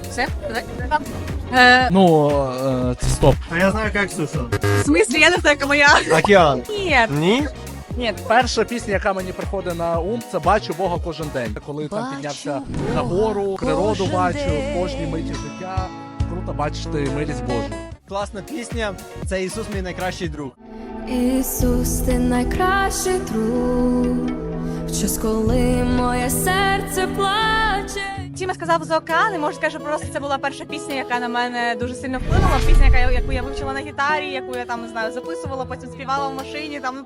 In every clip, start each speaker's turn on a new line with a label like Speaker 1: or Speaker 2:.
Speaker 1: Все?
Speaker 2: Це стоп.
Speaker 3: А я знаю, як Ксюша.
Speaker 1: В смислі, я не знаю, яка моя.
Speaker 3: Океан.
Speaker 1: Ні.
Speaker 3: Ні?
Speaker 1: Ні.
Speaker 2: Перша пісня, яка мені приходить на ум, це «Бачу Бога кожен день». Коли там піднявся на гору, природу бачу, в кожній миті життя. Круто бачити милість Божу.
Speaker 3: Класна пісня. Це Ісус мій найкращий друг.
Speaker 4: Ісус, ти найкращий друг, в час, коли моє серце плаче.
Speaker 1: Тіма сказав за океан, і можу сказати, що просто це була перша пісня, яка на мене дуже сильно вплинула. Пісня, яку я вивчила на гітарі, яку я там, не знаю, записувала, потім співала в машині. Там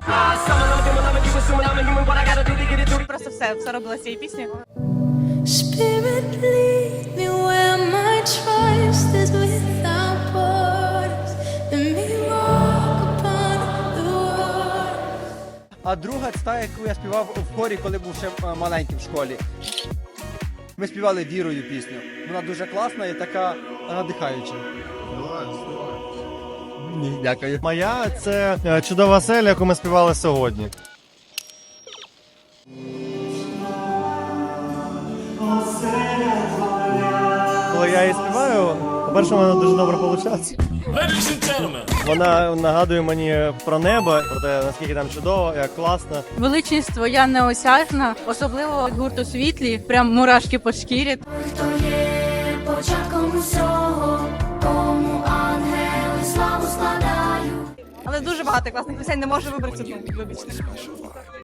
Speaker 1: просто все робила з цієї пісні.
Speaker 4: Spirit, lead me where my trust is without borders. Let me walk upon the waters.
Speaker 3: А друга це та, яку я співав в хорі, коли був ще маленьким в школі. Ми співали вірою пісню. Вона дуже класна і така надихаюча.
Speaker 2: Дякую.
Speaker 5: Моя це чудова селя, яку ми співали сьогодні. Коли я її співаю, по-перше, вона дуже добре виходить. Вона нагадує мені про небо, про те, наскільки там чудово, як класно.
Speaker 1: Величність твоя неосяжна, особливо від гурту «Світлі», прям мурашки по шкірі.
Speaker 4: Хто є початком усього, кому ангели славу складають.
Speaker 1: Але дуже багато класних пісень, не можу вибрати одну, вибачте.